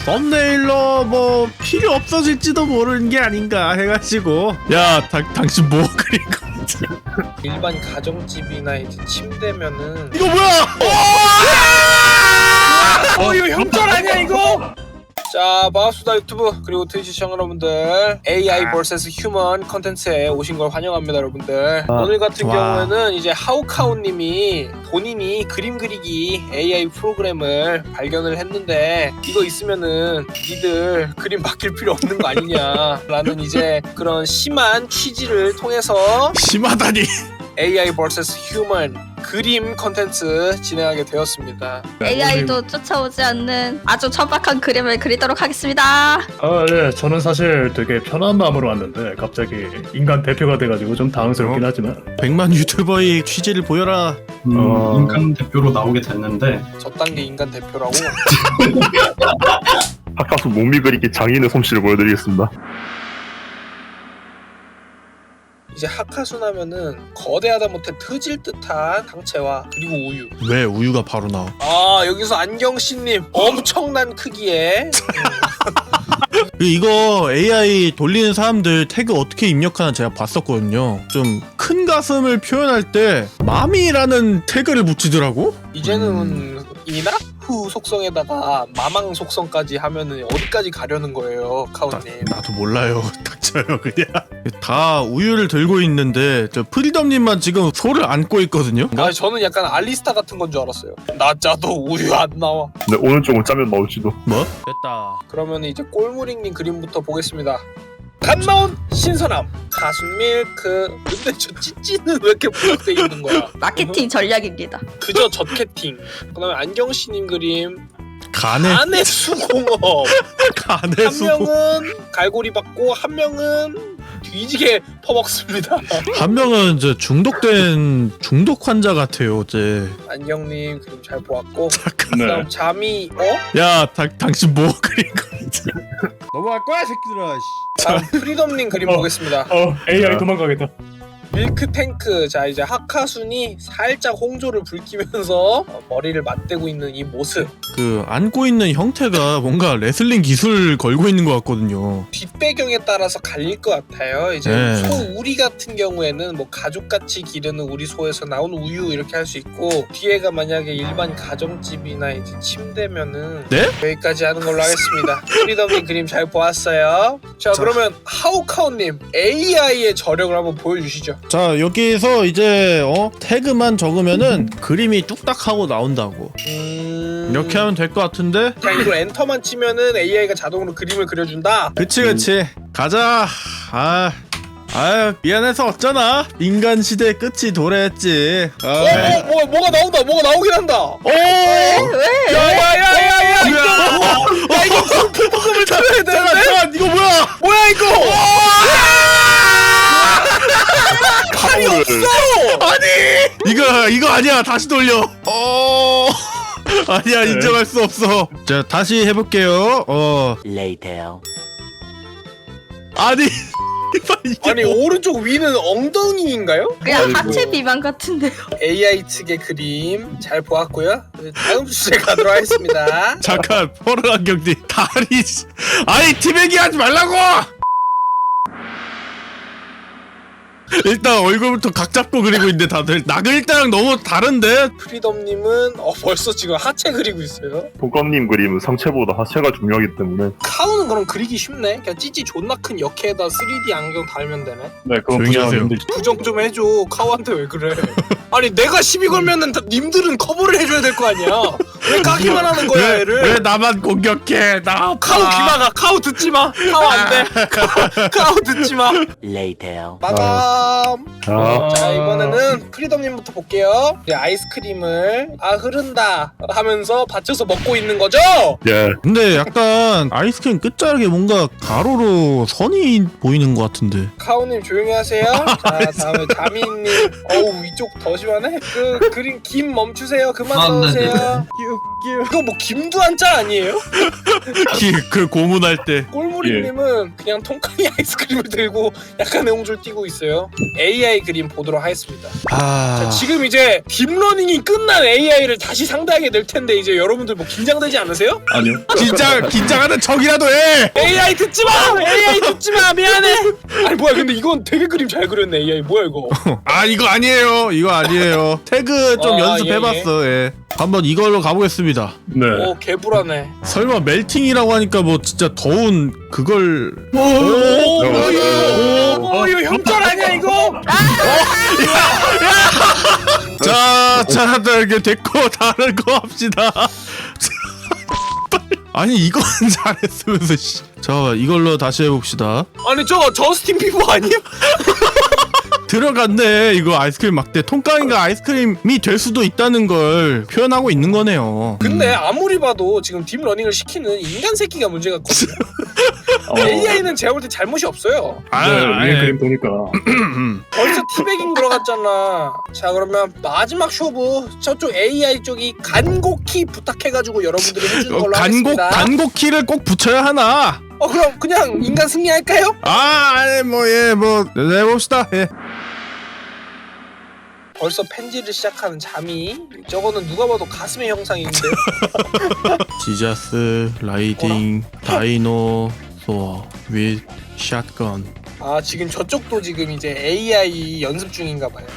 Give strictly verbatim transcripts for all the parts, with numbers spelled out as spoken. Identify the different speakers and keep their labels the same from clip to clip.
Speaker 1: 썸네일러 뭐 필요 없어질지도 모르는 게 아닌가 해가지고. 야, 다, 당신 뭐 그린 거지?
Speaker 2: 일반 가정집이나 이제 침대면은
Speaker 1: 이거 뭐야?
Speaker 2: 어 이거 형절 아니야 이거? 자, 반갑습니다 유튜브 그리고 트위치 시청 여러분들, 에이아이 vs 휴먼 컨텐츠에 오신 걸 환영합니다 여러분들.
Speaker 1: 아,
Speaker 2: 오늘 같은
Speaker 1: 좋아.
Speaker 2: 경우에는 이제 하우카우님이 본인이 그림 그리기 에이아이 프로그램을 발견을 했는데, 이거 있으면은 니들 그림 바뀔 필요 없는 거 아니냐라는 이제 그런 심한 취지를 통해서
Speaker 1: 심하다니.
Speaker 2: 에이아이 vs 휴먼 그림 컨텐츠 진행하게 되었습니다.
Speaker 3: 에이아이도 쫓아오지 않는 아주 천박한 그림을 그리도록 하겠습니다.
Speaker 4: 아, 예. 저는 사실 되게 편한 마음으로 왔는데 갑자기 인간 대표가 돼가지고 좀 당황스럽긴
Speaker 1: 어?
Speaker 4: 하지만
Speaker 1: 백만 유튜버의 취지를 보여라.
Speaker 5: 음,
Speaker 4: 어.
Speaker 5: 인간 대표로 나오게 됐는데
Speaker 2: 저 단계 인간 대표라고.
Speaker 6: 아까서 몸이 그리기 장인의 솜씨를 보여드리겠습니다.
Speaker 2: 이제 하카순 하면은 거대하다 못해 터질 듯한 당체와 그리고 우유.
Speaker 1: 왜 우유가 바로 나와?
Speaker 2: 아, 여기서 안경씨님 엄청난 크기에
Speaker 1: 그 이거 에이아이 돌리는 사람들 태그 어떻게 입력하나 제가 봤었거든요. 좀 큰 가슴을 표현할 때 마미라는 태그를 붙이더라고.
Speaker 2: 이제는 이나후 속성에다가 마망 속성까지 하면은 어디까지 가려는 거예요, 카우님?
Speaker 1: 나도 몰라요. 닥쳐요 그냥. 다 우유를 들고 있는데 저 프리덤님만 지금 소를 안고 있거든요.
Speaker 2: 아, 저는 약간 알리스타 같은 건 줄 알았어요. 나 짜도 우유 안 나와.
Speaker 6: 근데 오늘 조금 짜면 나올지도.
Speaker 1: 뭐? 됐다.
Speaker 2: 그러면 이제 꼴무링님 그림부터 보겠습니다. 갓 나온 신선함 가순밀크. 근데 저 찌찌는 왜 이렇게 부각돼 있는 거야?
Speaker 3: 마케팅 전략입니다.
Speaker 2: 그저 젖캐팅. 그다음에 안경씨님 그림
Speaker 1: 간의
Speaker 2: 안의 수공업.
Speaker 1: 간의
Speaker 2: 한
Speaker 1: 수고.
Speaker 2: 명은 갈고리 받고 한 명은 뒤지게 퍼먹습니다.
Speaker 1: 한 명은 저 중독된 중독 환자 같아요. 어제.
Speaker 2: 안경님 그림 잘 보았고.
Speaker 1: 잠깐.
Speaker 2: 그다음
Speaker 4: 네.
Speaker 2: 잠이 어?
Speaker 1: 야, 다, 당신 뭐 그린 거지? 넘어갈 거야 새끼들아.
Speaker 2: 다음 프리덤님 그림
Speaker 4: 어.
Speaker 2: 보겠습니다.
Speaker 4: 어 에이아이 도망가겠다.
Speaker 2: 밀크탱크. 자, 이제 하카순이 살짝 홍조를 붉히면서 어, 머리를 맞대고 있는 이 모습.
Speaker 1: 그 안고 있는 형태가 뭔가 레슬링 기술 걸고 있는 것 같거든요.
Speaker 2: 뒷배경에 따라서 갈릴 것 같아요. 이제
Speaker 1: 네.
Speaker 2: 소 우리 같은 경우에는 뭐 가족같이 기르는 우리 소에서 나온 우유 이렇게 할 수 있고, 뒤에가 만약에 일반 가정집이나 이제 침대면은
Speaker 1: 네?
Speaker 2: 여기까지 하는 걸로 하겠습니다. 프리덤님 그림 잘 보았어요. 자,
Speaker 1: 자.
Speaker 2: 그러면 하우카우님 에이아이의 저력을 한번 보여주시죠.
Speaker 1: 자, 여기에서 이제 어 태그만 적으면은 그림이 뚝딱 하고 나온다고.
Speaker 2: 음...
Speaker 1: 이렇게 하면 될 것 같은데?
Speaker 2: 그냥 이걸 엔터만 치면은 에이아이가 자동으로 그림을 그려준다.
Speaker 1: 그치 그치. 가자. 아. 아 미안해서 어쩌나. 인간 시대 끝이 도래했지. 아.
Speaker 2: 어, 뭐, 뭐, 뭐가 나온다. 뭐가 나오긴 한다.
Speaker 1: 오!
Speaker 3: 왜?
Speaker 2: 야야야야야 이거
Speaker 1: 어,
Speaker 2: 야 이거 공포금을 타야 되는데?
Speaker 1: 잠깐 이거 뭐야?
Speaker 2: 뭐야 이거? 칼이 없어.
Speaker 1: 아니 이거 이거 아니야. 다시 돌려. 어 아니야 인정할 수 없어. 자 다시 해볼게요. 어
Speaker 7: Later.
Speaker 1: 아니 이게
Speaker 2: 아니
Speaker 1: 뭐-
Speaker 2: 오른쪽 위는 엉덩이인가요?
Speaker 3: 그냥
Speaker 6: 아이고.
Speaker 3: 하체 비만 같은데요.
Speaker 2: 에이아이 측의 그림 잘 보았고요. 다음 주제 가도록 하겠습니다.
Speaker 1: 잠깐 포르 안경님 다리 아니 티백이 하지 말라고. 일단 얼굴부터 각 잡고 그리고 있는데 다들 나글이랑 너무 다른데.
Speaker 2: 프리덤님은 어 벌써 지금 하체 그리고 있어요.
Speaker 6: 보검님 그림은 상체보다 하체가 중요하기 때문에.
Speaker 2: 카우는 그럼 그리기 쉽네. 그냥 찌찌 존나 큰 역해에다 쓰리디 안경 달면 되네.
Speaker 4: 네, 그건
Speaker 1: 조용히 하세요.
Speaker 4: 부정하는데
Speaker 2: 부정 좀 해줘. 카우한테 왜 그래? 아니 내가 시비 걸면은 다- 님들은 커버를 해줘야 될 거 아니야. 왜 까기만 하는 거야
Speaker 1: 왜,
Speaker 2: 얘를?
Speaker 1: 왜 나만 공격해? 나 아파.
Speaker 2: 카우 귀마가. 카우 듣지 마. 카우 안 돼. 카우 듣지 마.
Speaker 7: Later.
Speaker 2: 마감.
Speaker 6: 아,
Speaker 2: 자, 이번에는 프리덤님부터 볼게요. 이제 아이스크림을 아 흐른다 하면서 받쳐서 먹고 있는 거죠?
Speaker 6: 예.
Speaker 1: 근데 약간 아이스크림 끝자락에 뭔가 가로로 선이 보이는 것 같은데.
Speaker 2: 카우님 조용히 하세요. 자, 다음에 자미님. 어우 이쪽 더 심하네. 그 그림 김 멈추세요. 그만
Speaker 5: 아, 네,
Speaker 2: 넣으세요. 이거 뭐 김두한 짤 아니에요?
Speaker 1: 기- 그 고문할 때.
Speaker 2: 꼴무리님은 그냥 통깡이 아이스크림을 들고 약간 내용줄 띄고 있어요. 에이아이 그림 보도록 하겠습니다.
Speaker 1: 아
Speaker 2: 자, 지금 이제 딥러닝이 끝난 에이아이를 다시 상대하게 될 텐데 이제 여러분들 뭐 긴장되지 않으세요?
Speaker 4: 아니요.
Speaker 1: 긴장 긴장하는 척이라도 해.
Speaker 2: 에이아이 듣지 마! 에이아이 듣지 마! 미안해! 아니 뭐야 근데 이건 되게 그림 잘 그렸네 에이아이 뭐야 이거.
Speaker 1: 아 이거 아니에요. 이거 아니에요. 태그 좀
Speaker 2: 아,
Speaker 1: 연습해봤어. 예, 한번 이걸로 가보겠습니다.
Speaker 4: 네.
Speaker 2: 오 개불하네.
Speaker 1: 설마 멜팅이라고 하니까 뭐 진짜 더운 그걸.
Speaker 2: 오, 오, 오, 오, 이거 형짤 아니야 이거?
Speaker 1: 자, 자, 이렇게 됐고 다른 거 합시다. 아니 이건 잘했으면서 씨. 자 이걸로 다시 해봅시다.
Speaker 2: 아니 저거 저스틴 비버 아니야?
Speaker 1: 들어갔네. 이거 아이스크림 막대. 통깡이가 아이스크림이 될 수도 있다는 걸 표현하고 있는 거네요.
Speaker 2: 근데 아무리 봐도 지금 딥러닝을 시키는 인간 새끼가 문제가 있거든요.
Speaker 4: 어,
Speaker 2: 에이아이는 제가 볼 때 잘못이 없어요.
Speaker 1: 아,
Speaker 4: 네, 위에
Speaker 1: 아,
Speaker 4: 그림 보니까
Speaker 2: 벌써 티베깅 들어갔잖아. 자 그러면 마지막 쇼부 저쪽 에이아이 쪽이 간곡히 부탁해가지고 여러분들이 해주는
Speaker 1: 어,
Speaker 2: 걸로
Speaker 1: 간곡
Speaker 2: 하겠습니다.
Speaker 1: 간곡 키를 꼭 붙여야 하나?
Speaker 2: 어 그럼 그냥 인간 승리할까요?
Speaker 1: 아, 아니 뭐예뭐 해봅시다. 예.
Speaker 2: 벌써 펜지를 시작하는 잠이 저거는 누가 봐도 가슴의 형상인데.
Speaker 1: 지자스 라이딩 다이노소어 윗 샷건.
Speaker 2: 아 지금 저쪽도 지금 이제 에이아이 연습 중인가 봐요.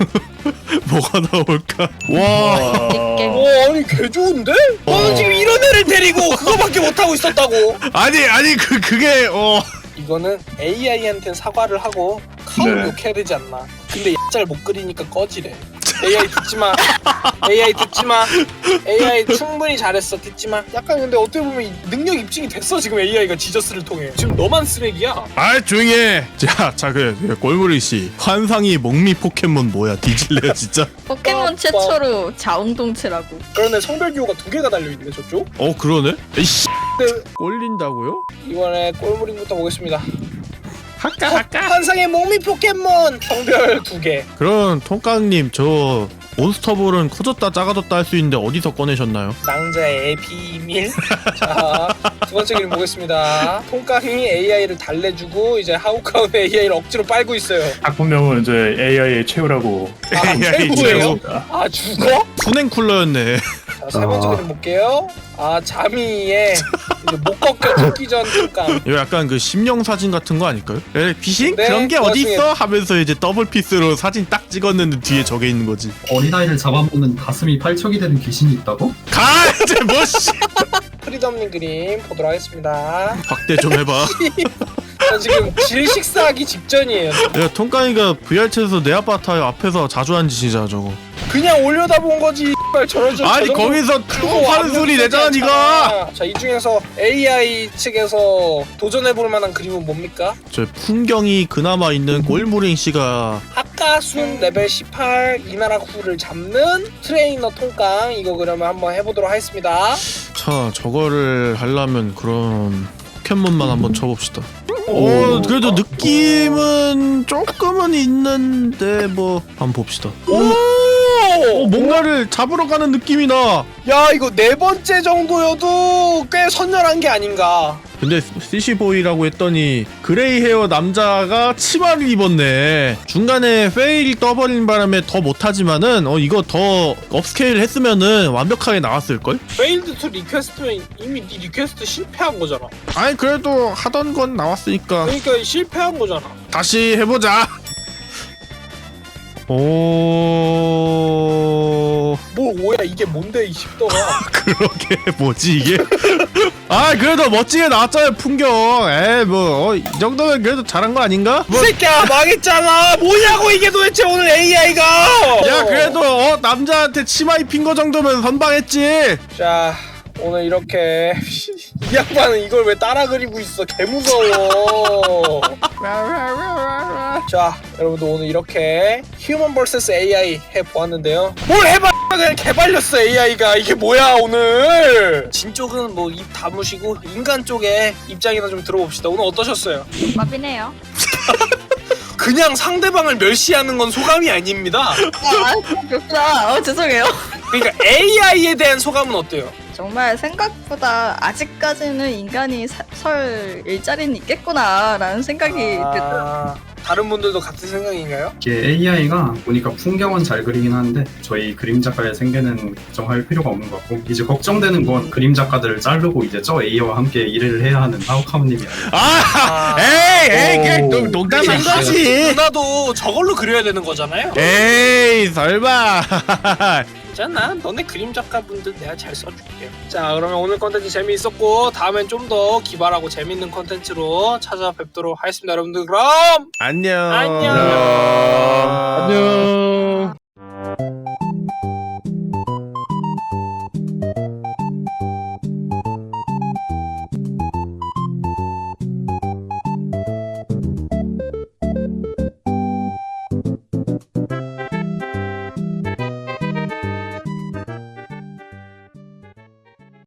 Speaker 1: 뭐가 나올까? 와.
Speaker 4: 와,
Speaker 2: 오 아니 개 좋은데? 너는 지금 이런 애를 데리고 그거밖에 못하고 있었다고.
Speaker 1: 아니 아니 그 그게 어.
Speaker 2: 이거는 에이아이한테는 사과를 하고 카운
Speaker 4: 네.
Speaker 2: 욕해야 되지 않나. 근데 짤 못 그리니까 꺼지래. 에이아이 듣지마. 에이아이 듣지마. 에이아이 충분히 잘했어. 듣지마. 약간 근데 어떻게 보면 이 능력 입증이 됐어 지금 에이아이가 지저스를 통해. 지금 너만 쓰레기야.
Speaker 1: 아 조용히 해. 자, 자 그래 꼴무리 씨. 환상이 목미 포켓몬 뭐야? 뒤질래 진짜?
Speaker 3: 포켓몬 최초로 자웅동체라고.
Speaker 2: 그런데 성별 기호가 두 개가 달려있네 저쪽.
Speaker 1: 어 그러네. 에이씨.
Speaker 2: 근데
Speaker 1: 꼴린다고요?
Speaker 2: 이번에 꼴무링부터 보겠습니다.
Speaker 1: 할까 할까?
Speaker 2: 환상의 목미 포켓몬 성별 두 개.
Speaker 1: 그럼 통깡님 저 몬스터볼은 커졌다 작아졌다 할 수 있는데 어디서 꺼내셨나요?
Speaker 2: 낭자의 비밀. 자, 두 번째 그림 보겠습니다. 통깡이 에이아이를 달래주고 이제 하우카운의 에이아이를 억지로 빨고 있어요.
Speaker 4: 작품명은 이제 에이아이의 최후라고.
Speaker 2: 아,
Speaker 1: 에이아이
Speaker 2: 최고예요?
Speaker 1: 최고.
Speaker 2: 아, 죽어?
Speaker 1: 순행 쿨러였네.
Speaker 2: 자, 세 번째
Speaker 4: 아.
Speaker 2: 그림 볼게요. 아, 자미의 이제 못 꺾여 죽기 전 통깡.
Speaker 1: 이거 약간 그 심령 사진 같은 거 아닐까요? 에, 귀신?
Speaker 2: 네,
Speaker 1: 그런 게
Speaker 2: 그
Speaker 1: 어디
Speaker 2: 와중에-
Speaker 1: 있어? 하면서 이제 더블 피스로 사진 딱 찍었는데 뒤에 저게 있는 거지.
Speaker 5: 어린아이를 잡아먹는 가슴이 팔척이 되는 귀신이 있다고?
Speaker 1: 가 이제 뭐씨.
Speaker 2: 프리덤님 그림 보도록 하겠습니다.
Speaker 1: 확대 좀 해봐.
Speaker 2: 저 지금 질 식사하기 직전이에요.
Speaker 1: 야 통깡이가 브이알챗에서 내 아파트 앞에서 자주 한 짓이잖아 저거.
Speaker 2: 그냥 올려다본 거지. 저러죠.
Speaker 1: 아니
Speaker 2: 저 정도
Speaker 1: 거기서 쭉
Speaker 2: 그거
Speaker 1: 하는 소리
Speaker 2: 완벽하지
Speaker 1: 내잖아 니가.
Speaker 2: 않잖아. 자, 이 중에서 에이아이 측에서 도전해볼 만한 그림은 뭡니까?
Speaker 1: 저 풍경이 그나마 있는 꼴무링 씨가
Speaker 2: 아까순 레벨 십팔 이나라쿠를 잡는 트레이너 통깡 이거 그러면 한번 해보도록 하겠습니다.
Speaker 1: 자 저거를 하려면 그럼 포켓몬만 한번 쳐봅시다.
Speaker 4: 오.
Speaker 1: 오 그래도 느낌은 조금은 있는데 뭐 한번 봅시다. 오, 어, 뭔가를 잡으러 가는 느낌이 나.
Speaker 2: 야 이거 네 번째 정도여도 꽤 선열한 게 아닌가.
Speaker 1: 근데 시시보이라고 했더니 그레이 헤어 남자가 치마를 입었네. 중간에 페일 떠버린 바람에 더 못하지만은 어 이거 더 업스케일 했으면은 완벽하게 나왔을걸?
Speaker 2: 페일드 투 리퀘스트면 이미 네 리퀘스트 실패한 거잖아.
Speaker 1: 아니 그래도 하던 건 나왔으니까
Speaker 2: 그러니까 실패한 거잖아.
Speaker 1: 다시 해보자. 오
Speaker 2: 뭘 오야 이게 뭔데 이 십더가.
Speaker 1: 그러게 뭐지 이게? 아 그래도 멋지게 나왔잖아요 풍경. 에이 뭐이 정도면 그래도 잘한 거 아닌가?
Speaker 2: 이 새끼야 망했잖아. 뭐냐고 이게 도대체 오늘 에이아이가.
Speaker 1: 야 그래도 어 남자한테 치마 입힌 거 정도면 선방했지.
Speaker 2: 자 오늘 이렇게 이 양반은 이걸 왜 따라 그리고 있어 개무서워. 자 여러분들 오늘 이렇게 휴먼 vs 에이아이 해보았는데요. 뭘 해봐 그냥 개발렸어 에이아이가. 이게 뭐야 오늘. 진 쪽은 뭐 입 다무시고 인간 쪽에 입장이나 좀 들어봅시다. 오늘 어떠셨어요?
Speaker 3: 마비네요.
Speaker 2: 그냥 상대방을 멸시하는 건 소감이 아닙니다.
Speaker 3: 아, 그렇구나. 어, 죄송해요.
Speaker 2: 그러니까 에이아이에 대한 소감은 어때요?
Speaker 3: 정말 생각보다 아직까지는 인간이 사, 설 일자리는 있겠구나라는 생각이 들더라고요.
Speaker 2: 아, 다른 분들도 같은 생각인가요?
Speaker 5: 이게 에이아이가 보니까 풍경은 잘 그리긴 하는데 저희 그림 작가의 생계는 걱정할 필요가 없는 것 같고 이제 걱정되는 건 그림 작가들을 자르고 이제 저 에이아이와 함께 일을 해야 하는 하우카우님이 아니라
Speaker 1: 아,
Speaker 2: 아.
Speaker 1: 에이, 에이,
Speaker 4: 오.
Speaker 1: 그냥 농- 농담한 거지.
Speaker 2: 누나도 저걸로 그려야 되는 거잖아요.
Speaker 1: 에이, 설마.
Speaker 2: 괜찮아. 너네 그림 작가분들 내가 잘 써줄게요. 자, 그러면 오늘 컨텐츠 재미있었고 다음엔 좀 더 기발하고 재밌는 컨텐츠로 찾아뵙도록 하겠습니다. 여러분들 그럼
Speaker 1: 안녕.
Speaker 2: 안녕.